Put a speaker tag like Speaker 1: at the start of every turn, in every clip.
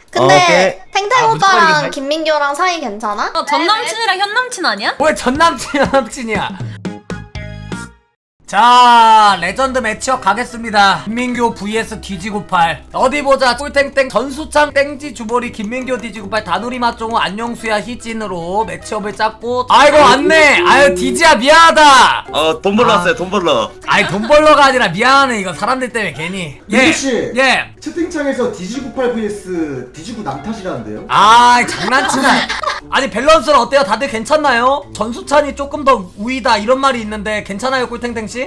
Speaker 1: 근데 탱탱
Speaker 2: 아, 무조건
Speaker 1: 오빠랑
Speaker 2: 이기네.
Speaker 1: 김민규랑 사이 괜찮아?
Speaker 3: 전 남친이랑 현 남친 아니야?
Speaker 2: 왜 전남친 남친이야? 자, 레전드 매치업 가겠습니다. 김민규 vs 디지구팔. 어디 보자. 꿀땡땡 전수창 땡지 주보리 김민규 디지구팔 다누리 맛종우 안녕수야 희진으로 매치업을 짰고. 아이고 왔네. 아유 디지야 미안하다.
Speaker 4: 돈 벌러 왔어요, 돈 벌러.
Speaker 2: 아이 돈 벌러가 아니라 미안해. 이거 사람들 때문에 괜히.
Speaker 5: 민규씨.
Speaker 2: 예.
Speaker 5: 채팅창에서 디지구8 vs 디지구 남탓이라는데요?
Speaker 2: 아 장난치나. 아니 밸런스는 어때요? 다들 괜찮나요? 전수찬이 조금 더 우위다 이런 말이 있는데 괜찮아요 꿀탱탱씨?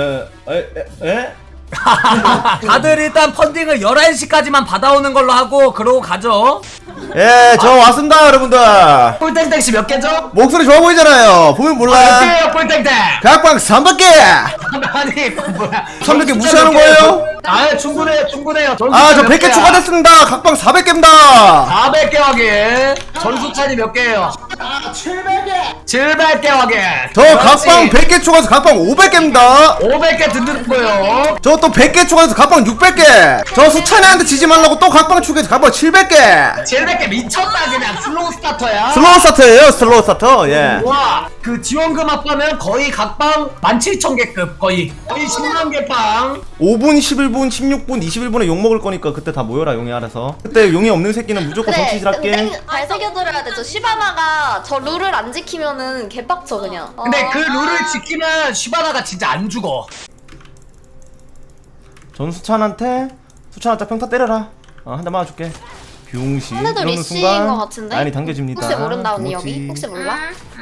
Speaker 2: 다들 일단 펀딩을 11시까지만 받아오는 걸로 하고 그러고 가죠.
Speaker 6: 예, 저 왔습니다, 여러분들.
Speaker 2: 꿀탱탱씨 몇 개죠?
Speaker 6: 목소리 좋아 보이잖아요. 보면
Speaker 2: 몇
Speaker 6: 몰라.
Speaker 2: 개예요 꿀탱탱?
Speaker 6: 각방 300개!
Speaker 2: 아니 뭐야
Speaker 6: 300개 무시하는 거예요?
Speaker 2: 아 충분해요 충분해요.
Speaker 6: 아, 저 100개 추가됐습니다. 각방 400개입니다.
Speaker 2: 400개 확인. 전수찬이 몇 개예요?
Speaker 5: 700개!
Speaker 2: 700개 확인.
Speaker 6: 저 각방 100개 추가해서 각방 500개입니다.
Speaker 2: 500개 듣는 거예요.
Speaker 6: 저 또 100개 추가해서 각방 600개. 저 수찬이한테 지지 말라고 또 각방 추가해서 각방 700개.
Speaker 2: 700개 미쳤다 그냥 슬로우 스타터야.
Speaker 6: 슬로우 스타트예요, 슬로우 스타터. 예.
Speaker 2: 와, 그 지원금 합하면 거의 각방 17,000개급 거의 10만 개빵.
Speaker 6: 5분, 11분, 16분, 21분에 욕 먹을 거니까 그때 다 모여라, 용이 알아서. 그때 용이 없는 새끼는 무조건 정치질 할게.
Speaker 1: 잘 새겨들어야 돼. 저 시바나가 저 룰을 안 지키면은 개빡쳐 그냥.
Speaker 2: 근데 그 룰을 지키면 시바나가 진짜 안 죽어.
Speaker 6: 전수찬한테 평타 때려라. 한 대 맞아줄게. 병신.
Speaker 1: 상대도
Speaker 6: 이러는
Speaker 1: 리시인
Speaker 6: 순간
Speaker 1: 것 같은데?
Speaker 6: 라인이 당겨집니다.
Speaker 1: 혹시 모른다 언니
Speaker 6: 그렇지.
Speaker 1: 여기? 혹시 몰라?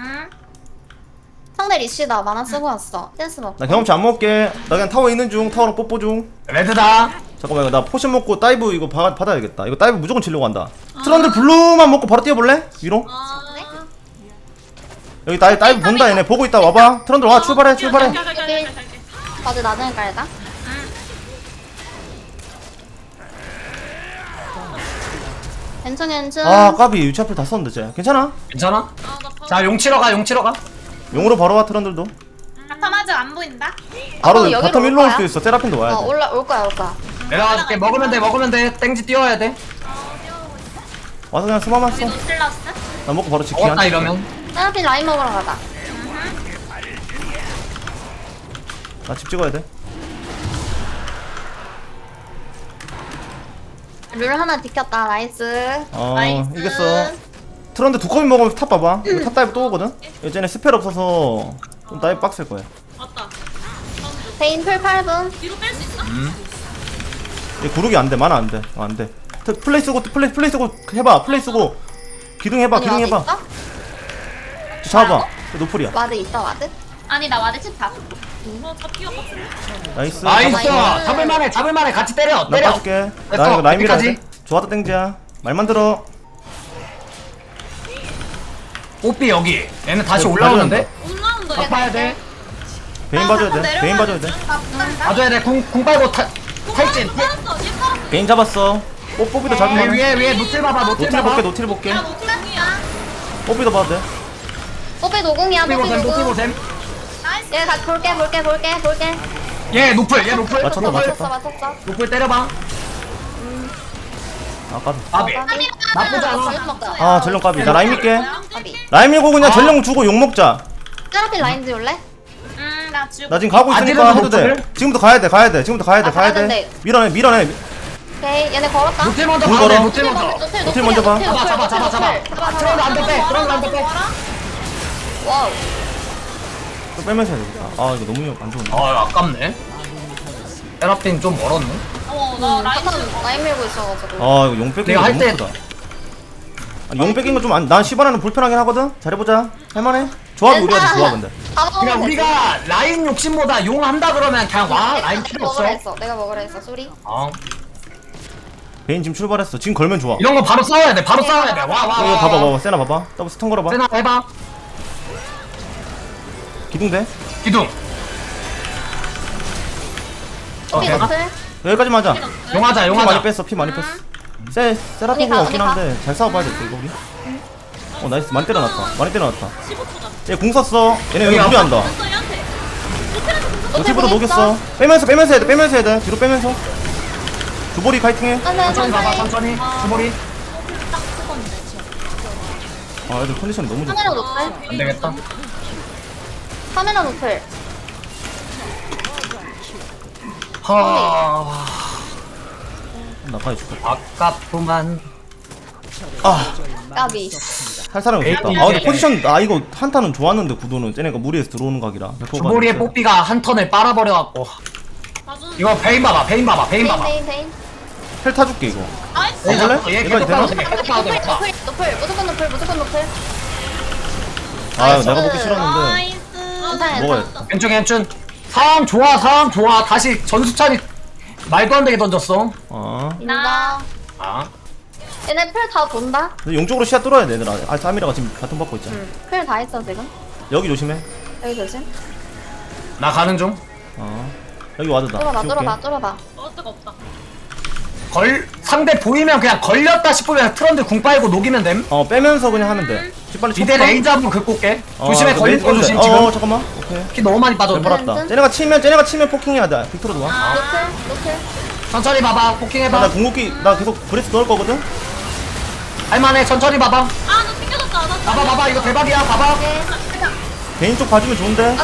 Speaker 1: 상대 리시다 만화 쓰고 왔어. 댄스 먹고.
Speaker 6: 나 경험치 안 먹을게. 나 그냥 타워 있는 중. 타워로 뽀뽀 중.
Speaker 2: 레드다.
Speaker 6: 잠깐만, 이거 나 포션 먹고 다이브 이거 받아야겠다. 이거 다이브 무조건 치려고 한다. 트런들 블루만 먹고 바로 뛰어볼래? 위로? 여기 다이브 본다 얘네. 보고 있다. 와봐. 트런들 와. 출발해.
Speaker 1: 맞아 나중에 깔다. 괜찮.
Speaker 6: 아 까비. 유치 앞을 다 썼는데 쟤. 괜찮아?
Speaker 2: 괜찮아? 자, 용 치러 가, 용 치러 가.
Speaker 6: 용으로 바로 와. 트런들도
Speaker 3: 바텀 아직 안 보인다.
Speaker 6: 바로
Speaker 1: 여기로
Speaker 6: 바텀
Speaker 1: 올
Speaker 6: 일로 올
Speaker 1: 거야?
Speaker 6: 수 있어. 세라핀도 와야 돼.
Speaker 1: 올 거야.
Speaker 2: 내려가줄게. 먹으면 돼, 먹으면 돼. 땡지 뛰어야 돼.
Speaker 6: 와서 그냥 스마만 써.
Speaker 3: 노틸러스?
Speaker 6: 나 먹고 바로 지키.
Speaker 2: 먹었다 이러면.
Speaker 1: 세라핀 라인 먹으러 가자.
Speaker 6: 나 집 찍어야 돼.
Speaker 1: 룰 하나 지켰다. 나이스.
Speaker 3: 나이스.
Speaker 6: 이겼어. 트런드 두 컵이 먹으면 탑 봐봐. 이거 탑 다이브 또 오거든? 예전에 스펠 없어서 좀 다이브 빡셀 거야.
Speaker 3: 맞다.
Speaker 1: 베인 풀 8분.
Speaker 3: 뒤로 뺄 수 있어?
Speaker 6: 얘 구르기 안 돼. 만화 안 돼. 안 돼. 플레이 쓰고 해봐. 플레이 쓰고 기둥 해봐.
Speaker 1: 아니,
Speaker 6: 기둥
Speaker 1: 와드
Speaker 6: 해봐.
Speaker 1: 있어?
Speaker 6: 잡아. 노플이야.
Speaker 1: 와드 있어 와드?
Speaker 3: 아니 나 와드 칩 다. 잡기가 빡세.
Speaker 6: 나이스.
Speaker 2: 나이스.
Speaker 1: 나이스.
Speaker 2: 잡을만해. 같이 때려.
Speaker 6: 나
Speaker 2: 때려.
Speaker 6: 빠질게.
Speaker 2: 됐어,
Speaker 6: 나 이거 라인 밀어야 돼.
Speaker 2: 여기까지.
Speaker 6: 좋았다 땡지야. 말만 들어.
Speaker 2: 뽀삐 여기. 얘는 다시
Speaker 6: 어,
Speaker 2: 올라오는데?
Speaker 3: 올라온다.
Speaker 2: 딱 봐야 돼.
Speaker 6: 베인 봐줘야 돼. 베인 봐줘야 돼.
Speaker 2: 봐줘야 돼. 궁 빨고 탈진.
Speaker 3: 살았어. 얘 살았어.
Speaker 6: 베인 잡았어. 뽀삐도 잡으면
Speaker 2: 위에 노틸 봐봐. 노틸
Speaker 6: 노틸
Speaker 2: 봐봐.
Speaker 6: 볼게. 노틸 볼게.
Speaker 3: 야 노틸이야.
Speaker 6: 뽀삐도 봐도 돼.
Speaker 1: 뽀삐 노공이야 뽀삐
Speaker 2: 노틸
Speaker 1: 노공.
Speaker 2: 보셈.
Speaker 3: 나이스.
Speaker 1: 얘 같이 볼게.
Speaker 2: 얘 노플.
Speaker 6: 맞췄다,
Speaker 2: 노플.
Speaker 6: 맞췄다.
Speaker 1: 맞췄어.
Speaker 2: 노플 때려봐.
Speaker 6: 까비.
Speaker 2: 아비. 나쁘지 않아.
Speaker 1: 잘 먹자.
Speaker 6: 아 전령 까비. 나 라인 밀게.
Speaker 1: 까비.
Speaker 6: 라인 밀고 그냥 전령 주고 욕 먹자.
Speaker 1: 세라핀 라인 지울래?
Speaker 3: 나 지금.
Speaker 6: 나 지금 가고 있으니까
Speaker 2: 아직은
Speaker 6: 해도 돼.
Speaker 2: 노플을?
Speaker 6: 지금부터 가야 돼. 지금부터 가야
Speaker 1: 가야
Speaker 6: 돼.
Speaker 1: 된대.
Speaker 6: 밀어내.
Speaker 1: 오케이 얘네 걸었다.
Speaker 2: 노틸 먼저
Speaker 6: 물
Speaker 2: 봐야 돼.
Speaker 6: 걸어.
Speaker 2: 노틸 먼저.
Speaker 6: 노틸 먼저 봐.
Speaker 2: 잡아. 트런드 안돼 빼. 트런드 안돼 빼.
Speaker 1: 와우.
Speaker 6: 또 빼면서 해야 되겠다. 아 이거 너무 안 좋은데.
Speaker 2: 아 아깝네. 세라핀 좀 멀었네.
Speaker 3: 나 라인.
Speaker 1: 라인 밀고 있어가지고.
Speaker 6: 아 이거 용 뺏긴
Speaker 2: 내가
Speaker 6: 거
Speaker 2: 할
Speaker 6: 너무
Speaker 2: 때-
Speaker 6: 크다. 용 뺏긴 거좀난 시바나는 불편하긴 하거든. 잘해보자. 할만해. 조합이 우리가 더 좋아 근데.
Speaker 1: 다 먹으면
Speaker 2: 그냥
Speaker 1: 되지.
Speaker 2: 우리가 라인 욕심보다 용 한다 그러면 그냥 와 라인 필요 없어.
Speaker 1: 내가 먹으라 했어 소리.
Speaker 6: 베인 지금 출발했어. 지금 걸면 좋아.
Speaker 2: 이런 거 바로 싸워야 돼. 바로 싸워야 돼. 와.
Speaker 6: 이거 봐봐. 세나 봐봐. 더블 스턴 걸어봐.
Speaker 2: 세나 해봐.
Speaker 6: 기둥대.
Speaker 2: 기둥.
Speaker 1: 뽀삐
Speaker 2: 되나?
Speaker 1: 노플.
Speaker 6: 여기까지만 하자.
Speaker 2: 용하자.
Speaker 6: 피 많이 뺐어. 피 많이 뺐어. 세라핀이
Speaker 1: 언니
Speaker 6: 없긴
Speaker 1: 가.
Speaker 6: 한데 잘 싸워봐야 돼 이거 우리. 나이스. 많이 때려놨다.
Speaker 3: 15초다.
Speaker 6: 얘 공 썼어. 얘네 여기
Speaker 2: 여기
Speaker 6: 무리한다.
Speaker 3: 됐어 얘한테. 노틸한테
Speaker 6: 노티브도
Speaker 1: 공
Speaker 6: 녹였어. 빼면서 해야 돼. 뒤로 빼면서. 주보리 파이팅해.
Speaker 2: 천천히 봐봐. 천천히. 주머리.
Speaker 6: 아 애들 컨디션 너무 좋다.
Speaker 1: 카메라 노플.
Speaker 2: 안 되겠다.
Speaker 1: 카메라 노플.
Speaker 2: 하
Speaker 6: 나까지 죽겠다.
Speaker 2: 아깝구만.
Speaker 6: 아
Speaker 1: 까비.
Speaker 6: 할 사람이 없었다. 아 근데 포지션 아 이거 한타는 좋았는데 구도는 쟤네가 무리해서 들어오는 각이라.
Speaker 2: 주보리의 뽀삐가 한 턴을 빨아버려갖고.
Speaker 3: 봐주는.
Speaker 2: 이거 베인 봐봐, 베인 봐봐, 베인 봐봐.
Speaker 1: 베인.
Speaker 6: 헬 타줄게 이거.
Speaker 3: 나이스.
Speaker 6: 해볼래?
Speaker 2: 얘
Speaker 6: 얘까지
Speaker 2: 계속
Speaker 6: 되나?
Speaker 2: 가도 돼, 계속 가도 돼.
Speaker 1: 노플. 무조건 노플.
Speaker 6: 아 내가 먹기 싫었는데.
Speaker 3: 나이스.
Speaker 1: 괜찮아.
Speaker 6: 먹어야겠다.
Speaker 2: 괜춘. 상황 좋아. 다시 전수찬이 말도 안 되게 던졌어.
Speaker 6: 아
Speaker 1: 인정.
Speaker 2: 아,
Speaker 1: 얘네 풀 다 돈다.
Speaker 6: 근데 용쪽으로 시야 뚫어야 돼 얘들아. 아 사미라가 지금 바통 받고 있잖아.
Speaker 1: 풀 다 했어 지금.
Speaker 6: 여기 조심해.
Speaker 1: 여기 조심.
Speaker 2: 나 가는 중.
Speaker 6: 아 여기 와드다.
Speaker 1: 뚫어봐.
Speaker 3: 어떡 없다.
Speaker 2: 상대 보이면 그냥 걸렸다 싶으면 트런드 궁 빨고 녹이면 됨.
Speaker 6: 빼면서 그냥 하면 돼. 빨리
Speaker 2: 미대 레이저 한번 긁고 올게. 조심해,
Speaker 6: 그
Speaker 2: 걸릴 거
Speaker 6: 메인
Speaker 2: 조심,
Speaker 6: 건데.
Speaker 2: 지금.
Speaker 6: 잠깐만. 오케이.
Speaker 2: 키 너무 많이 빠져.
Speaker 6: 벌었다. 쟤네가 치면 포킹해야 돼. 빅토르도 와.
Speaker 1: 노플.
Speaker 2: 천천히 봐봐, 포킹
Speaker 6: 나
Speaker 2: 해봐.
Speaker 6: 궁극기 나 계속 브레스 넣을 거거든.
Speaker 2: 할만해, 천천히 봐봐.
Speaker 3: 아, 너 튕겨졌다. 나
Speaker 2: 봐봐, 이거 대박이야, 봐봐.
Speaker 6: 개인 쪽 봐주면 좋은데.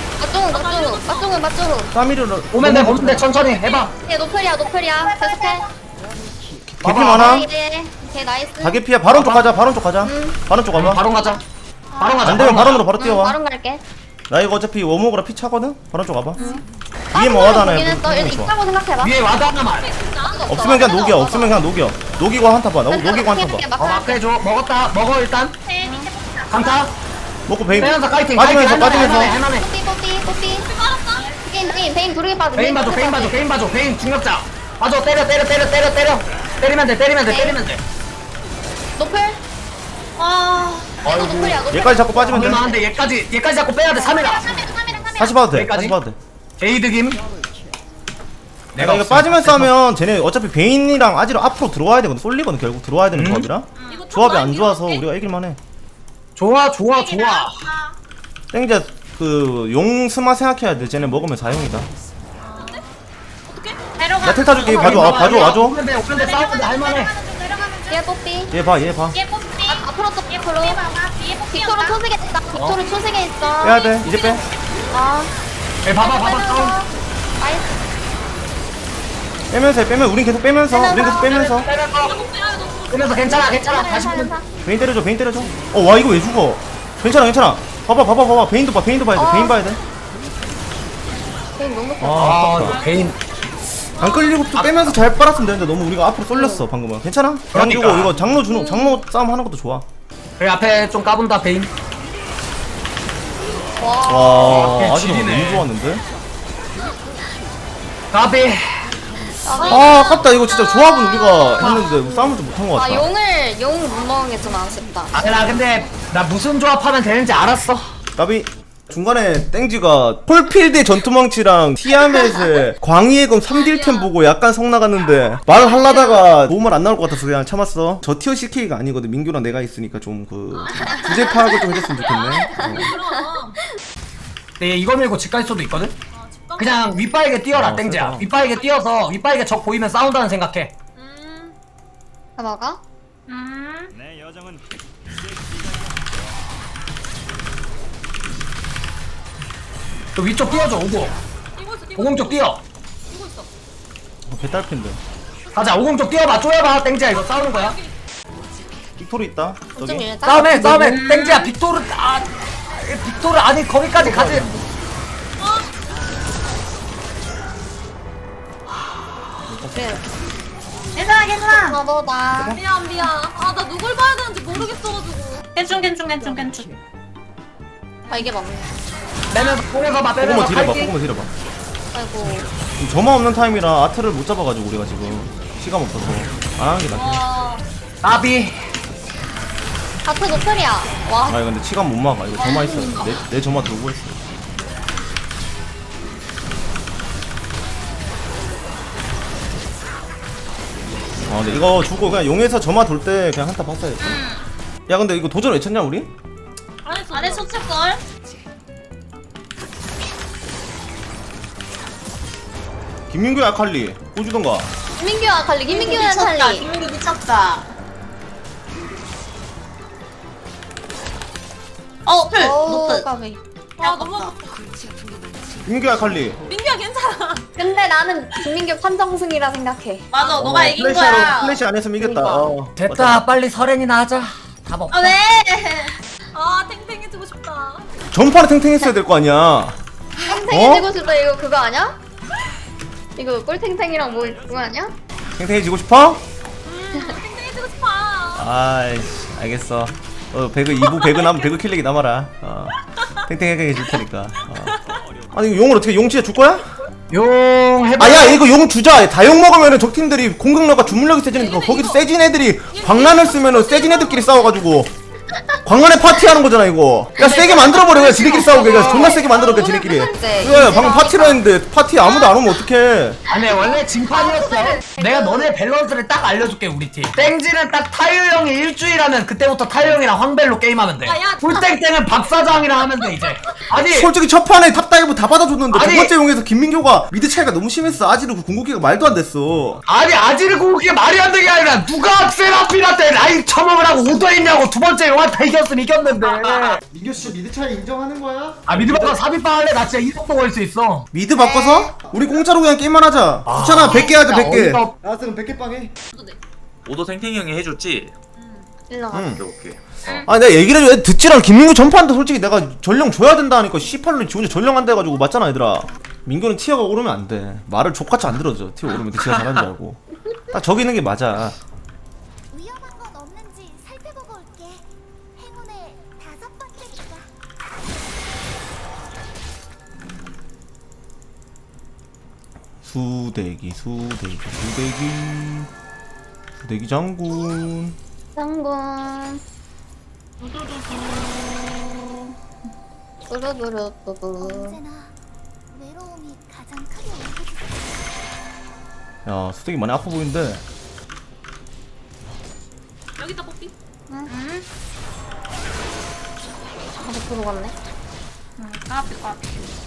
Speaker 1: 맞쪽은.
Speaker 6: 사미르를
Speaker 2: 오면 돼, 천천히 해봐.
Speaker 1: 얘 노플이야. 계속해.
Speaker 6: 개피 많아.
Speaker 1: 걔 나이스.
Speaker 6: 다개피야. 바론 쪽 가자. 바론 쪽 가자. 바론 쪽 가봐.
Speaker 2: 바론 가자. 바론 가자.
Speaker 6: 안 되면 바론으로 바로 뛰어와.
Speaker 1: 바로 갈게.
Speaker 6: 나 이거 어차피 워목으로 피 차거든. 바론 쪽 가봐. 위에 뭐 하다나
Speaker 1: 보긴 했어. 얘 있다고 생각해봐.
Speaker 2: 위에 와드 하나만.
Speaker 6: 없으면 그냥 녹여. 녹이고 한타 봐. 녹이고 한타 봐.
Speaker 2: 마크 해줘. 먹어, 일단. 강타.
Speaker 6: 먹고 베인
Speaker 2: 빼면서 카이팅.
Speaker 6: 빠지면서
Speaker 2: 할만해.
Speaker 1: 뽀삐. 베인 두르게 빠져.
Speaker 2: 베인 봐줘. 베인 중력자. 봐줘, 때려. 때리면 돼.
Speaker 1: 노플.
Speaker 3: 아,
Speaker 1: 얘도 노플이야.
Speaker 6: 얘까지 잡고 빠지면 돼.
Speaker 2: 얼마한데 얘까지 잡고 빼야 돼. 3이라.
Speaker 6: 다시 봐도 돼.
Speaker 2: 여기까지?
Speaker 6: 다시 봐도 돼.
Speaker 2: 게이드김.
Speaker 6: 내가 이거 빠지면서 하면 쟤네 어차피 베인이랑 아지로 앞으로 들어와야 되거든. 쏠리거든 결국 들어와야 되는 조합이라.
Speaker 3: 이거
Speaker 6: 조합이
Speaker 3: 좀
Speaker 6: 안 좋아서
Speaker 3: 많이
Speaker 6: 우리가 이길만해.
Speaker 2: 좋아.
Speaker 6: 땡자 용 스마 생각해야 돼. 쟤네 먹으면 4용이다.
Speaker 3: 어떻게? 데려가.
Speaker 6: 나 텔타 줄게. 봐줘. 와줘.
Speaker 2: 오면 돼. 싸우는데 할만해.
Speaker 1: 얘 뽀삐.
Speaker 6: 얘 봐.
Speaker 3: 얘 뽀삐.
Speaker 1: 앞으로 또 빅토르.
Speaker 3: 얘 봐봐. 뒤에 뽀삐.
Speaker 1: 빅토르 초색에 있다. 빅토르 초색에 있어.
Speaker 6: 빼야 돼. 이제 빼.
Speaker 1: 아.
Speaker 2: 봐봐. 싸움.
Speaker 1: 나이스.
Speaker 6: 빼면 우린 계속 빼면서.
Speaker 2: 빼면서 괜찮아. 다시 보면.
Speaker 6: 베인 때려줘. 와 이거 왜 죽어? 괜찮아. 봐봐. 베인도 봐야 돼. 베인 봐야 돼.
Speaker 1: 베인 너무 커.
Speaker 2: 아,
Speaker 6: 아깝다.
Speaker 2: 이거 베인.
Speaker 6: 안 끌리고 또 빼면서 잘 빨았으면 되는데 너무 우리가 앞으로 쏠렸어 방금은. 괜찮아? 그냥
Speaker 2: 그러니까.
Speaker 6: 주고 이거 장로 싸움 하는 것도 좋아.
Speaker 2: 그래 앞에 좀 까본다 베인.
Speaker 6: 와 아직도
Speaker 2: 지리네.
Speaker 6: 너무 좋았는데.
Speaker 2: 까비.
Speaker 6: 아 아깝다. 이거 진짜 조합은 우리가 했는데 싸움을 좀 못한 것 같다.
Speaker 1: 용 못 먹은 게 좀 아쉽다.
Speaker 2: 나 근데 나 무슨 조합하면 되는지 알았어.
Speaker 6: 까비. 중간에 땡지가 폴필드의 전투망치랑 티아멧의 광희의 검 3딜템 보고 약간 성 나갔는데 말을 하려다가 좋은 말 안 나올 것 같아서 그냥 참았어. 저 티어 CK가 아니거든. 민규랑 내가 있으니까 좀 주제 파악을 좀 해줬으면 좋겠네.
Speaker 3: 그럼.
Speaker 2: 근데 이거 밀고 집 갈 수도 있거든. 그냥 윗바에게 뛰어라 땡지야.
Speaker 6: 세다.
Speaker 2: 윗바에게 뛰어서 윗바에게 적 보이면 싸운다는 생각해.
Speaker 1: 다 먹어?
Speaker 2: 또 위쪽 뛰어줘 오고.
Speaker 3: 뛰고 있어.
Speaker 2: 오공 쪽 뛰어.
Speaker 3: 뛰고 있어.
Speaker 6: 개딸핀데.
Speaker 2: 가자 오공 쪽 뛰어봐. 쪼여봐 땡지야. 이거 싸우는 거야.
Speaker 6: 빅토르 있다.
Speaker 1: 좀
Speaker 6: 저기.
Speaker 1: 밀자.
Speaker 2: 싸움해. 땡지야 빅토르 빅토르 아니 거기까지 가지.
Speaker 1: 그래.
Speaker 3: 괜찮아.
Speaker 1: 너보다.
Speaker 3: 미안. 아, 나 누굴 봐야 되는지 모르겠어가지고. 괜찮.
Speaker 1: 아 이게 맞네.
Speaker 2: 빼면서 봐.
Speaker 6: 포그모 딜해봐.
Speaker 2: 파이팅.
Speaker 1: 아이고.
Speaker 6: 지금 점화 없는 타임이라 아트를 못 잡아가지고 우리가 지금 시간 없어서 안 하는 게 낫지.
Speaker 3: 와.
Speaker 2: 나비.
Speaker 1: 하트 노플이야. 와.
Speaker 6: 아 근데 치감 못 막아. 이거 점화 있어. 내 점화 들고 있어. 근데 이거 주고 그냥 용에서 점화 돌 때 그냥 한타 봤어야겠다. 야 근데 이거 도전 외쳤냐 우리?
Speaker 3: 안 했어, 걸.
Speaker 6: 김민규 아칼리 보주던가.
Speaker 1: 김민규와 칼리. 김민규는 칼리.
Speaker 3: 김민규 미쳤다. 풀 노트.
Speaker 1: 까비.
Speaker 3: 아 너무 아파.
Speaker 6: 민규야 칼리.
Speaker 3: 민규야 괜찮아.
Speaker 1: 근데 나는 김민규 판정승이라 생각해.
Speaker 3: 맞아 너가 이긴
Speaker 6: 플래시로
Speaker 3: 거야.
Speaker 6: 플래시 안 했으면 이겼다.
Speaker 1: 그러니까.
Speaker 2: 됐다 빨리 설행이나 하자. 답 없다.
Speaker 3: 아 왜? 아 탱탱 해주고 싶다.
Speaker 6: 전판에 탱탱했어야 될 거 아니야.
Speaker 1: 탱탱해지고 싶다 이거 그거 아니야? 이거 꿀탱탱이랑 뭐 그거 아니야?
Speaker 6: 탱탱해지고 싶어?
Speaker 3: 탱탱 해주고 싶어.
Speaker 6: 아이씨 알겠어. 배그 2부 배그 남으면 배그 킬렉이 남아라. 탱탱하게 해줄 테니까. 아니 이거 용을 어떻게 용 진짜 줄 거야?
Speaker 2: 용 해봐.
Speaker 6: 아야 이거 용 주자. 다 용 먹으면은 적팀들이 공격력과 주물력이 세지니까 거기서 세진 애들이 광란을 쓰면은 세진 애들끼리 싸워가지고 광란에 파티하는 거잖아 이거. 야 세게 만들어버려 그냥 지네끼리 싸우게. 그냥 존나 세게 만들어게 지네끼리. 그래 방금 파티를 했는데 파티 아무도 안 오면 어떡해.
Speaker 2: 아니 원래 진판이었어. 내가 너네 밸런스를 딱 알려줄게 우리 팀. 땡지는 딱 타요 형이 일주일 하면 그때부터 타요 형이랑 황벨로 게임하면 돼.
Speaker 3: 야.
Speaker 2: 꿀땡땡은 박사장이랑 하면 돼 이제. 아니
Speaker 6: 솔직히 첫 판에 탑다이브 다 받아줬는데
Speaker 2: 아니.
Speaker 6: 두 번째 용에서 김민교가 미드 차이가 너무 심했어. 아지르 그 궁극기가 말도 안 됐어.
Speaker 2: 아니 아지르 궁극기 말이 안 되게 아니라 누가 세라핀한테 라인 처먹으라고 오더했냐고. 두 번째 용한테 이겼으면 이겼는데.
Speaker 5: 민규 씨 미드 차이 인정하는 거야?
Speaker 2: 아 미드바가 삽입방 할래? 나 진짜 이속도 걸 수 있어.
Speaker 6: 미드 바꿔서? 우리 공짜로 그냥 게임만 하자. 귀찮아 100개 하자 100개.
Speaker 5: 나왔으면 100개 빵해.
Speaker 4: 오도 탱탱이 형이 해줬지?
Speaker 1: 일로 와.
Speaker 6: 응.
Speaker 4: 오케이.
Speaker 6: 아니 내가 얘기를 해줘. 듣지랑 김민규 전판도 솔직히 내가 전령 줘야 된다 하니까 C8로 지 혼자 전령한다 해가지고 맞잖아 얘들아. 민규는 티어가 오르면 안돼. 말을 족같이 안 들어줘. 티어 오르면 지가 잘하는 줄 알고. 딱 저기 있는 게 맞아.
Speaker 7: 위험한 건 없는지 살펴보고 올게. 행운의 5번째니까.
Speaker 6: 수대기 장군.
Speaker 1: 장군. 뚜루뚜루뚜루.
Speaker 7: 언제나 외로움이 가장 크게 오르지.
Speaker 6: 야 수대기 많이 아파 보이는데.
Speaker 3: 여기다 뽑기.
Speaker 1: 아직 들어갔네.
Speaker 3: 까비 까비.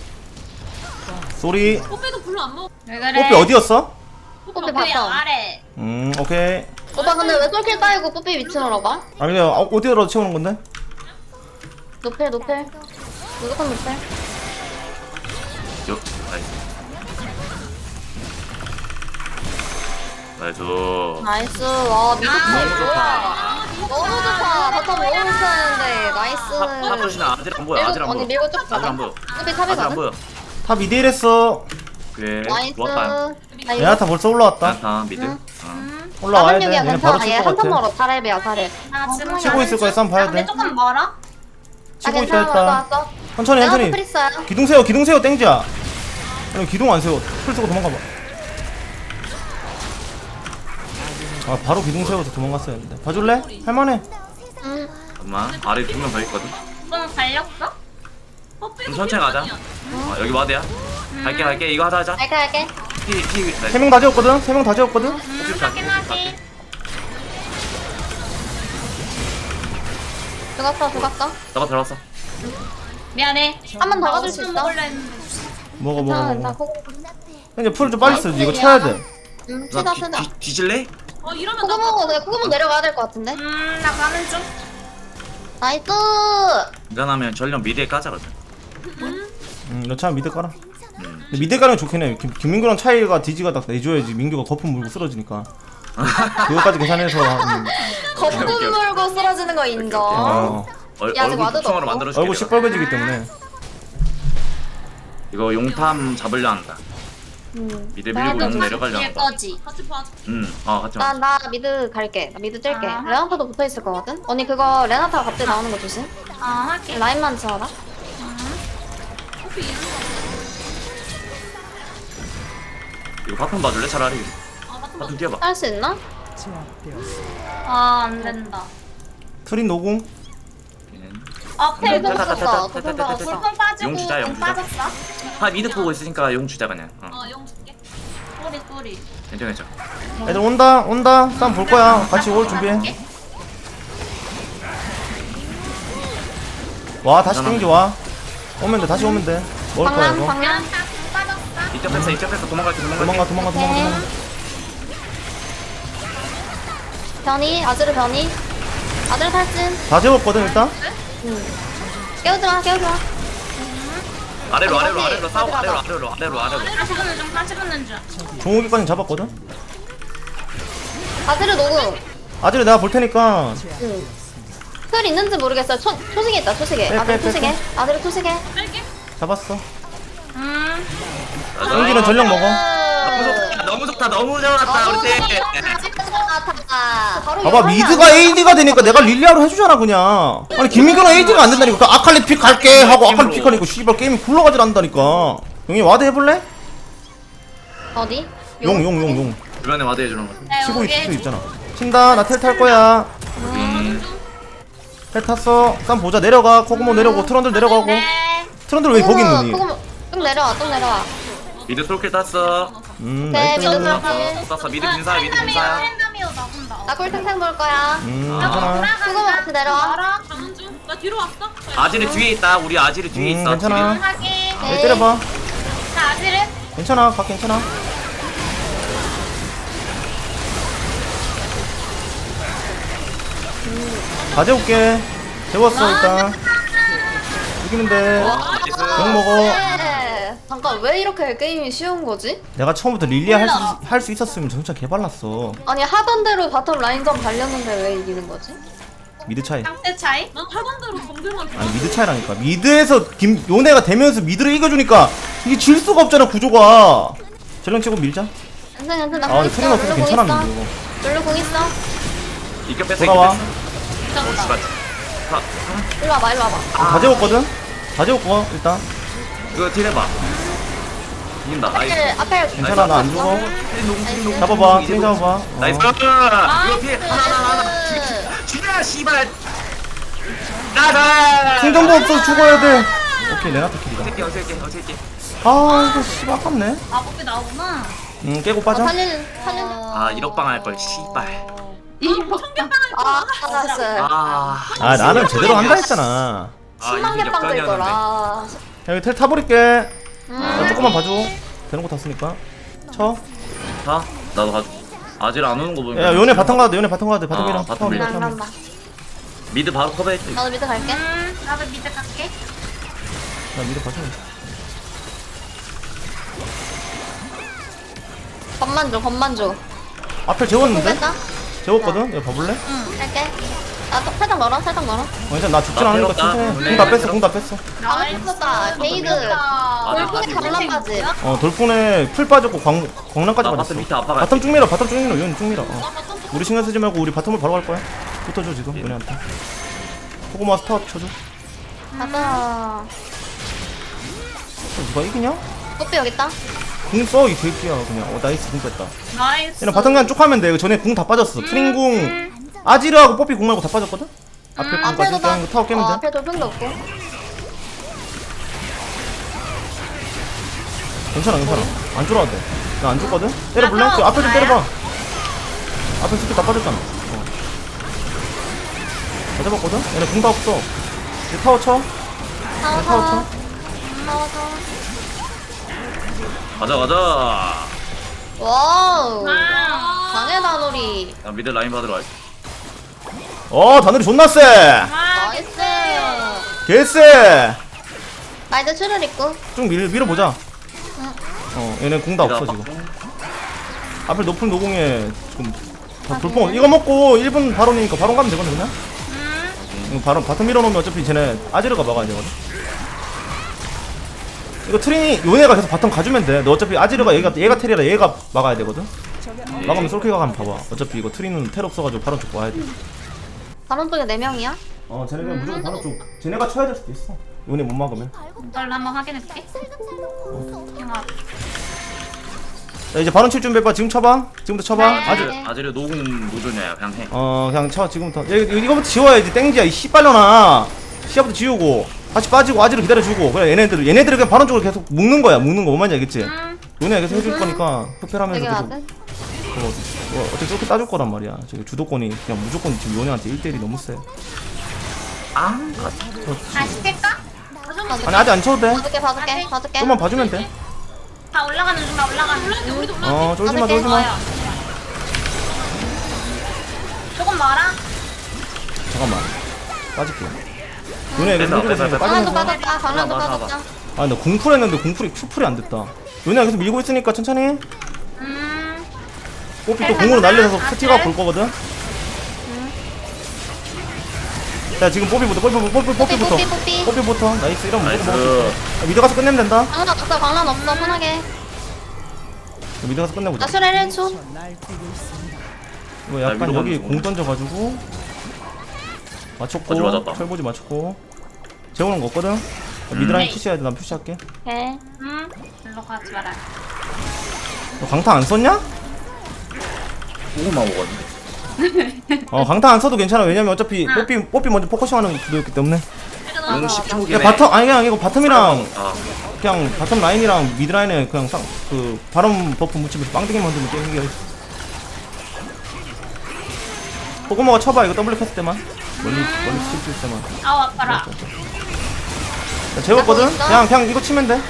Speaker 6: 쏘리.
Speaker 3: 뽀삐도 별로 안 먹어. 왜
Speaker 6: 뽀삐 어디였어?
Speaker 1: 뽀삐 봤어.
Speaker 3: 아래.
Speaker 6: 오케이.
Speaker 1: 오빠 근데 왜 똘킬 따이고 뽀삐 위치로 봐?
Speaker 6: 아니 그냥 어디로 채우는 건데?
Speaker 1: 노펠 노펠. 무조건 노펠.
Speaker 4: 요, 나이스. 나이스.
Speaker 1: 나이스. 와 미드
Speaker 4: 너무
Speaker 1: 차
Speaker 4: 좋다.
Speaker 1: 너무 좋다. 바텀 너무 잘했는데 나이스.
Speaker 4: 탑조시나 아직 안 보여. 아직 안 보여.
Speaker 1: 언니 밀고 쭉
Speaker 4: 아직 안
Speaker 1: 가자.
Speaker 4: 보여.
Speaker 1: 뽀삐
Speaker 4: 아직 안
Speaker 1: 탑이거든.
Speaker 4: 보여.
Speaker 6: 다 미드 1했어.
Speaker 4: 그래.
Speaker 1: 나이스.
Speaker 4: 좋았다.
Speaker 1: 나 이거
Speaker 6: 레나타 벌써 올라왔다.
Speaker 4: 다 미드.
Speaker 1: 응.
Speaker 6: 올라와야 돼.
Speaker 1: 406이야
Speaker 6: 얘네 바로
Speaker 1: 괜찮아.
Speaker 6: 칠
Speaker 1: 얘
Speaker 6: 것
Speaker 1: 한턴
Speaker 6: 같아.
Speaker 1: 멀어. 4렙이야 4렙.
Speaker 3: 나 지금
Speaker 6: 치고 있을 거야. 싸움 봐야
Speaker 3: 근데
Speaker 6: 돼.
Speaker 3: 조금 멀어.
Speaker 1: 나
Speaker 6: 치고 있다
Speaker 1: 괜찮아.
Speaker 6: 했다.
Speaker 1: 왔어.
Speaker 6: 천천히
Speaker 1: 내가
Speaker 6: 천천히.
Speaker 1: 노펠 있어요.
Speaker 6: 기둥 세워 땡지야. 아니 기둥 안 세워. 풀 쓰고 도망가봐. 아 바로 기둥 세워서 도망갔어야 했는데. 봐줄래? 할만해.
Speaker 1: 응.
Speaker 4: 잠깐만. 아래 2명 더 있거든.
Speaker 3: 좀 달렸어? 뽀삐도
Speaker 4: 좀 천천히 가자. 여기 와드야. 갈게. 이거 하자.
Speaker 1: 할게.
Speaker 4: 피.
Speaker 6: 3명 다 재웠거든? 3명 다 재웠거든?
Speaker 3: 하긴 하지.
Speaker 1: 죽었어.
Speaker 4: 너가 들어왔어.
Speaker 3: 미안해.
Speaker 1: 한 번 더 가줄 수 있어?
Speaker 3: 먹으려 했는데.
Speaker 6: 먹어
Speaker 1: 괜찮아.
Speaker 6: 먹어. 근데 풀 좀 빨리 써야지. 이거 쳐야 돼.
Speaker 1: 응.
Speaker 4: 나
Speaker 1: 치다.
Speaker 4: 뒤질래?
Speaker 3: 이러면
Speaker 1: 코그 먹어. 내가 코그 내려가야 될 것 같은데.
Speaker 3: 나 가는 중.
Speaker 1: 나이스.
Speaker 4: 인간하면 전령 미드에 까자거든.
Speaker 6: 너 차 미드 깔아. 근데 미드 깔면 좋긴 해. 김민규랑 차이가 디지가 딱 내줘야지. 민규가 거품 물고 쓰러지니까. 그거까지 계산해서.
Speaker 1: 거품 물고 쓰러지는 거 인정.
Speaker 6: 어.
Speaker 1: 야, 아직
Speaker 4: 얼굴
Speaker 1: 와드도
Speaker 4: 북성으로
Speaker 1: 없고.
Speaker 4: 만들어줄게.
Speaker 6: 얼굴
Speaker 4: 내가.
Speaker 6: 시뻘개지기 때문에.
Speaker 4: 이거 용탐 잡으려 한다. 미드 밀고 용 내려가려
Speaker 3: 뒤에
Speaker 4: 한다.
Speaker 3: 거지. 같이 봐.
Speaker 4: 같이 와.
Speaker 1: 나 미드 갈게. 나 미드 뛸게.
Speaker 3: 아.
Speaker 1: 레나타도 붙어 있을 거거든. 언니 그거 레나타 갑자기 나오는 거 조심.
Speaker 3: 할게.
Speaker 1: 라인만 지어라.
Speaker 4: 이거 바텀 봐줄래 차라리. 바텀 뛰어봐.
Speaker 1: 할 수 있나?
Speaker 3: 안 된다.
Speaker 6: 트린 노궁.
Speaker 3: 텔
Speaker 1: 도핑
Speaker 4: 됐다,
Speaker 1: 빠졌어.
Speaker 4: 됐다,
Speaker 1: 도핑
Speaker 4: 됐다,
Speaker 1: 빠졌어.
Speaker 4: 됐다.
Speaker 3: 불펜 빠지고
Speaker 4: 용 주자, 용
Speaker 3: 용
Speaker 4: 주자.
Speaker 3: 빠졌어?
Speaker 4: 미드 보고 있으니까 용 주자 그냥.
Speaker 3: 용 줄게. 쏘리.
Speaker 4: 괜찮아.
Speaker 6: 애들 온다. 싸움 볼 거야. 같이 올 준비해. 와 다시 땡지 와. 오면 돼. 다시 오면 돼. 먹을 거야
Speaker 1: 방랑
Speaker 6: 이거.
Speaker 1: 방랑.
Speaker 4: 이쪽 뺐어 도망갈게.
Speaker 6: 도망가.
Speaker 1: 변이 아즈르 변이. 아즈르 탈진.
Speaker 6: 다 재웠거든 일단.
Speaker 1: 깨우지마 깨우지마.
Speaker 4: 아래로
Speaker 1: 아니,
Speaker 4: 싸우고
Speaker 1: 얘들아,
Speaker 4: 아래로.
Speaker 3: 다시 붙는 중, 다시 붙는 중.
Speaker 6: 종욱이까지 잡았거든.
Speaker 1: 아지르 녹음.
Speaker 6: 아지를 내가 볼 테니까.
Speaker 1: 응. 틀 있는지 모르겠어요. 초식에 있다 초식에.
Speaker 6: 빼,
Speaker 1: 아지르
Speaker 6: 빼, 빼,
Speaker 1: 초식에. 아지르 초식에.
Speaker 3: 뺄게.
Speaker 6: 잡았어.
Speaker 4: 맞아.
Speaker 6: 땡지는 전력 먹어.
Speaker 4: 너무 좋았다 우리 팀.
Speaker 6: 봐봐 미드가 AD가 되니까 내가 릴리아로 해주잖아 그냥. 아니 김민규는 AD가 안 된다니까. 그 아칼리 픽 갈게 하고 아칼리 픽 하니까 씨발 게임이 굴러가질 않는다니까. 용이 와드 해볼래?
Speaker 1: 어디?
Speaker 6: 용
Speaker 4: 주변에 와드 해주는 거.
Speaker 6: 치고 있을 수 있잖아. 친다. 나 텔 탈 거야. 텔 탔어. 쌈 보자. 내려가. 코그모 내려오고 트런들 내려가고. 트런들 왜 거기 있느니?
Speaker 1: 좀 내려와 좀 내려와.
Speaker 4: 미드 솔킬 땄어.
Speaker 1: 네
Speaker 6: 나이스.
Speaker 1: 미드 들어가면.
Speaker 4: 땄어. 미드 빈사야.
Speaker 3: 트렌드미오 나본다.
Speaker 1: 나 꿀탱탱 볼 거야.
Speaker 6: 괜찮아.
Speaker 1: 그거 같이 내려와.
Speaker 3: 알아? 가는 중. 나 뒤로 왔어.
Speaker 4: 아지르 뒤에 있다. 우리 아지르 뒤에 있어.
Speaker 6: 괜찮아.
Speaker 3: 확인.
Speaker 6: 내 때려봐.
Speaker 3: 자, 아지르.
Speaker 6: 괜찮아. 각 괜찮아. 다 재울게. 재웠어 일단. 이기면 돼. 욕 먹어.
Speaker 1: 네. 잠깐 왜 이렇게 게임이 쉬운 거지?
Speaker 6: 내가 처음부터 릴리아 할 수 있었으면 진짜 개발랐어.
Speaker 1: 아니 하던 대로 바텀 라인전 발렸는데 왜 이기는 거지?
Speaker 6: 미드 차이.
Speaker 3: 상태 차이? 난 하던 대로 정글만
Speaker 6: 아니 미드 차이라니까. 미드에서 요네가 되면서 미드를 이겨주니까 이게 질 수가 없잖아 구조가. 전령 치고 밀자.
Speaker 1: 괜찮아 괜찮아.
Speaker 6: 아 근데 트레인 없어서 괜찮아 민규.
Speaker 1: 룰루 공 있어.
Speaker 4: 이겨 뺐어.
Speaker 6: 돌아와.
Speaker 4: 씨발.
Speaker 1: 일로 와봐 일로 와봐.
Speaker 6: 다 재웠거든. 다 재웠고 일단.
Speaker 4: 이거 딜 해봐. 이긴다. 나이스.
Speaker 1: 앞에
Speaker 6: 괜찮아 나 안 죽어.
Speaker 1: 나이스.
Speaker 6: 잡아봐. 트레인 잡아봐.
Speaker 4: 나이스. 이거 피해. 하나. 죽여 씨발. 나가.
Speaker 6: 생존도 없어 죽어야 돼. 오케이 레나타 킬이다.
Speaker 4: 어떻게.
Speaker 6: 아 이거 씨발 아깝네.
Speaker 3: 마법이 나오구나.
Speaker 6: 깨고 빠져.
Speaker 1: 살리는
Speaker 4: 아 1억 방 할 걸. 씨발.
Speaker 1: 아 알았어.
Speaker 6: 아 나는 제대로 한다 했잖아.
Speaker 1: 10만 개 빵 될 거라.
Speaker 6: 야 여기 텔 타버릴게. 나 조금만 봐줘. 되는 거 탔으니까. 쳐.
Speaker 4: 자, 나도 가져. 아질 안 오는 거 보면.
Speaker 6: 야 요네 바텀 가도 돼. 요네 바텀 가도 돼. 바텀 밀어.
Speaker 4: 바텀
Speaker 6: 타워 밀어.
Speaker 4: 밀어.
Speaker 1: 난 간다.
Speaker 4: 미드 바로 커버해.
Speaker 1: 나도 밑에 갈게.
Speaker 3: 나도 미드 갈게.
Speaker 6: 나 미드 봐줘.
Speaker 1: 겁만 줘.
Speaker 6: 앞에 재웠는데?
Speaker 1: 뺐다.
Speaker 6: 재웠거든? 이거 봐볼래?
Speaker 1: 할게. 나또 살짝 멀어.
Speaker 6: 일단 나 죽진
Speaker 4: 나
Speaker 6: 않으니까
Speaker 4: 때렸다.
Speaker 6: 천천히. 공 다 뺐어.
Speaker 1: 다 뺐었다. 게이드. 돌풍이 강남 빠지.
Speaker 6: 돌풍에 풀 빠졌고 광란까지
Speaker 4: 나
Speaker 6: 빠졌어.
Speaker 4: 바텀 밑에 아파가.
Speaker 6: 바텀 쭉 밀어. 요네 쭉 밀어. 우리 신경 쓰지 말고 우리 바텀을 바로 갈 거야. 붙어줘 지금 요네한테. 코고마 스탑 쳐줘.
Speaker 1: 가자.
Speaker 6: 누가 이기냐?
Speaker 1: 꽃비 여기 있다.
Speaker 6: 궁 써 이 새끼야 그냥. 나이스 궁 뺐다.
Speaker 3: 나이스.
Speaker 6: 얘는 바텀 그냥 쭉 하면 돼. 이거 전에 궁 다 빠졌어. 트린궁 아지르하고 뽀삐 궁 말고 다 빠졌거든? 앞에 궁
Speaker 1: 앞에도
Speaker 6: 빠질
Speaker 1: 나.
Speaker 6: 때 타워 깨면 돼.
Speaker 1: 앞에 돌풍도 없고.
Speaker 6: 괜찮아. 안 쫄아도 돼. 나 안 죽거든? 때려볼래? 저 앞에 좀 때려봐. 앞에 스킬 다 빠졌잖아. 다 잡았거든? 얘네 궁 다 없어. 이제 타워 쳐. 타워 쳐.
Speaker 1: 타워.
Speaker 4: 가자.
Speaker 1: 와우.
Speaker 3: 아.
Speaker 1: 강해 다놀이.
Speaker 4: 야, 미드 라인 받으러 갈게.
Speaker 6: 다늘이 존나 세!
Speaker 1: 나이스.
Speaker 6: 개쎄!
Speaker 1: 나 이제 출혈 있고.
Speaker 6: 좀 밀어보자. 얘네 궁 다 없어 지금. 앞에 높은 노공에 지금 다 돌풍. 이거 먹고 1분 바론이니까 바론 가면 되거든 그냥? 이거 바론 바텀 밀어놓으면 어차피 쟤네 아지르가 막아야 되거든? 이거 트린이 요네가 계속 바텀 가주면 돼. 너 어차피 아지르가 얘가 테리라 얘가 막아야 되거든? 막으면 솔키가 가면 봐봐. 어차피 이거 트린은 텔 없어가지고 바론 쪽 와야 돼.
Speaker 1: 바론 쪽에 4명이야?
Speaker 6: 쟤네 그냥 무조건 바론 쪽. 쟤네가 쳐야 될 수도 있어. 요네 못 막으면.
Speaker 3: 널 한번 확인해볼게.
Speaker 6: 자 이제 바론 칠 준비해봐. 지금 쳐봐. 지금부터 쳐봐.
Speaker 4: 아지르 노공 노조냐 그냥 해.
Speaker 6: 그냥 쳐 지금부터. 이거부터 지워야지. 땡지야 이 씨발려나. 시야부터 지우고 다시 빠지고 아지를 기다려주고. 그래 얘네들을 그냥 바론 쪽으로 계속 묶는 거야. 뭔 말인지 알겠지? 요네가 계속 해줄 거니까 흡혈하면서
Speaker 1: 여기
Speaker 6: 계속
Speaker 1: 와든?
Speaker 6: 어차피 저렇게 따줄 거란 말이야. 저기 주도권이 그냥 무조건 지금 요네한테 1대1이 너무 세.
Speaker 3: 다시 뺄까?
Speaker 6: 아니 아직 안 쳐도 돼.
Speaker 1: 봐줄게.
Speaker 6: 좀만 봐주면 돼.
Speaker 3: 다 올라가는 중.
Speaker 6: 쫄지마.
Speaker 3: 조금 멀어.
Speaker 6: 잠깐만. 빠질게. 요네 계속 밀고 있으니까
Speaker 1: 강란도
Speaker 6: 빠지면서.
Speaker 1: 빠졌다. 강란도
Speaker 4: 봐봐,
Speaker 1: 빠졌다.
Speaker 6: 아, 나 궁풀 했는데 궁풀이 큐풀이 안 됐다. 요네 계속 밀고 있으니까 천천히. 뽀삐 또 궁으로 날려서 스티가 볼 거거든. 자, 지금 뽀삐부터.
Speaker 1: 뽀삐.
Speaker 6: 뽀삐부터. 나이스. 이러면
Speaker 4: 나이스.
Speaker 6: 무조건 먹을 수 있어. 미드 가서 끝내면 된다.
Speaker 1: 강란 없어. 강란 없어. 편하게.
Speaker 6: 미드 가서 끝내보자.
Speaker 1: 나 수레 1초.
Speaker 6: 이거 약간
Speaker 4: 위로
Speaker 6: 여기
Speaker 4: 가는
Speaker 6: 공 던져가지고 맞췄고
Speaker 4: 거지 맞았다.
Speaker 6: 철보지 맞췄고 재우는 거 없거든? 미드라인 푸시해야 돼. 난 푸시할게.
Speaker 1: 오케이.
Speaker 3: 일로 가지 마라.
Speaker 6: 너 강타 안 썼냐?
Speaker 4: 조금만 먹었는데.
Speaker 6: 강타 안 써도 괜찮아. 왜냐면 어차피 뽀삐 먼저 포커싱하는 구도였기 때문에.
Speaker 4: 용 10초긴
Speaker 6: 야
Speaker 4: 해.
Speaker 6: 바텀 아니 그냥 이거 바텀이랑
Speaker 4: 아,
Speaker 6: 그냥 바텀 라인이랑 미드 라인에 그냥 그 바람 버프 묻히면서 빵댕이 만들면 게임이 어딨어. 포그모가 쳐봐. 이거 더블 켰을 때만 멀리 칠 때만.
Speaker 3: 아우 아파라.
Speaker 6: 나 재웠거든? 그냥 이거 치면 돼.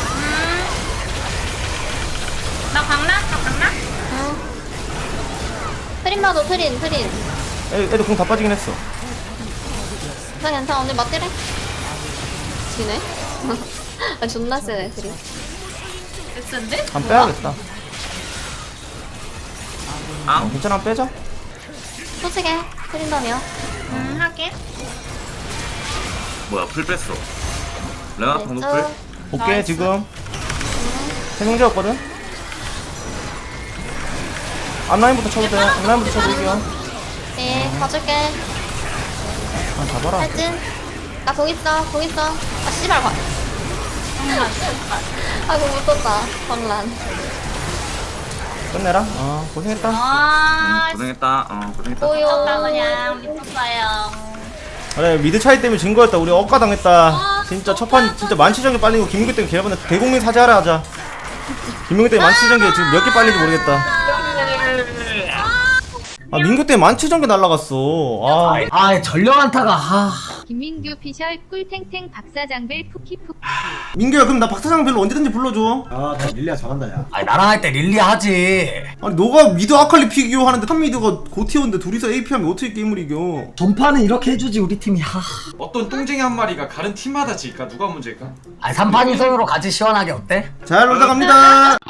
Speaker 3: 나 강남?
Speaker 1: 트림 봐도 트림.
Speaker 6: 애들 공 다 빠지긴 했어.
Speaker 1: 괜찮아. 오늘 맞대래. 지네. 아 존나 세네 트림.
Speaker 3: 됐는데?
Speaker 6: 한 빼야겠다.
Speaker 4: 앙.
Speaker 6: 괜찮아, 빼자.
Speaker 1: 솔직해. 트림다며.
Speaker 3: 하긴.
Speaker 4: 뭐야, 풀 뺐어. 레나 방금 풀?
Speaker 1: 나이스.
Speaker 6: 볼게
Speaker 3: 나이스.
Speaker 6: 지금. 세명 재웠거든? 앞라인부터 쳐도 돼. 앞라인부터 쳐도 이겨.
Speaker 1: 예, 봐줄게.
Speaker 6: 아, 잡아라.
Speaker 1: 탈진. 나 거기 있어. 아 씨발 봐. 아이고 못 떴다. 광란.
Speaker 6: 끝내라. 고생했다.
Speaker 3: 아,
Speaker 4: 고생했다. 고생했다.
Speaker 1: 오요.
Speaker 3: 미쳤다 그냥 미쳤어요.
Speaker 6: 그래, 미드 차이 때문에 진 거였다. 우리 억가당했다. 진짜 첫판 진짜 만치전개 빨리고 김민규 때문에 개라봤는데 대국민 사죄하라 하자. 김민규 때문에 만치전개 지금 몇 개 빨린지 모르겠다. 민규 때문에 만치전개 날라갔어.
Speaker 2: 전령 한타가
Speaker 8: 김민규 피셜 꿀탱탱 박사장벨 푸키푸키.
Speaker 6: 민규야, 그럼 나 박사장 별로 언제든지 불러줘.
Speaker 5: 나 릴리아 잘한다 야.
Speaker 2: 나랑 할 때 릴리 하지.
Speaker 6: 아니 너가 미드 아칼리 피기오 하는데 탑 미드가 고티어인데 둘이서 AP하면 어떻게 게임을 이겨?
Speaker 2: 전파는 이렇게 해주지 우리 팀이.
Speaker 9: 어떤 똥쟁이 한 마리가 다른 팀마다 질까? 누가 문제일까?
Speaker 2: 3판 2선으로 같이 시원하게 어때?
Speaker 6: 잘 놀다 갑니다.